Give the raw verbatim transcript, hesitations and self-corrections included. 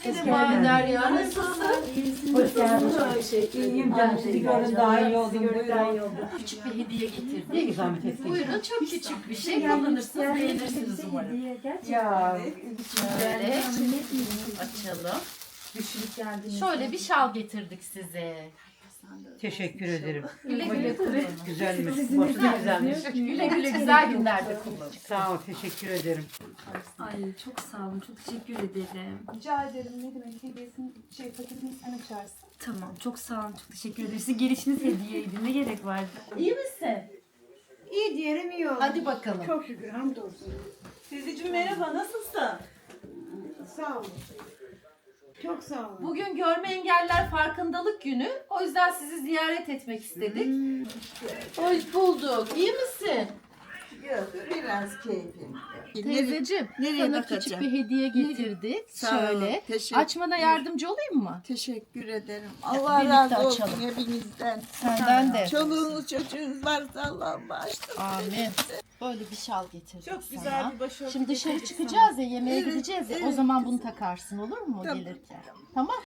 Merhaba Derya, nasılsın? Hoş geldiniz. İyiyim canım, sizi gördüm, daha iyi oldum. Buyurun. Küçük bir hediye getirdim. Ne zahmet ettin. Buyurun, çok küçük bir şey. Kullanırsınız, beğenirsiniz umarım. Ya. Şöyle açalım. Şöyle bir şal getirdik size. Teşekkür ederim. Güle güle kullanın. Güzelmiş. Boşu da güzelmiş. Güle güle güzel günlerde kullanın. Sağ ol, teşekkür ederim. Ay çok sağ olun, çok teşekkür ederim. Rica ederim. Ne demek hediyesini şey paketini sen açarsın. Tamam, çok sağ olun, çok teşekkür ederim. Sizin gelişiniz hediyeydi, ne gerek vardı? İyi misin? İyi diyelim iyi oldu. Hadi bakalım. Çok şükür hamdolsun. Teyzeciğim merhaba, nasılsın? Sağ olun. Çok sağ olun. Bugün Görme Engelliler Farkındalık Günü. O yüzden sizi ziyaret etmek istedik. Hoş bulduk. İyi misin? Yok biraz keyfim. Teyzeciğim, nereye sana bakacağım? küçük bir hediye getirdik. Sağ ol, Şöyle. teşekkür- Açmana yardımcı olayım mı? Teşekkür ederim. birlikte Allah razı olsun açalım. hepinizden. Senden de. Çoluğunuz çocuğunuz varsa Allah'ım bağışlasın. Amin. Böyle bir şal getirdik Çok sana. güzel bir başörtü Şimdi dışarı getirdik çıkacağız ya, yemeğe Evet, gideceğiz ya. O evet. zaman bunu takarsın, olur mu Tamam. gelirken? Tamam.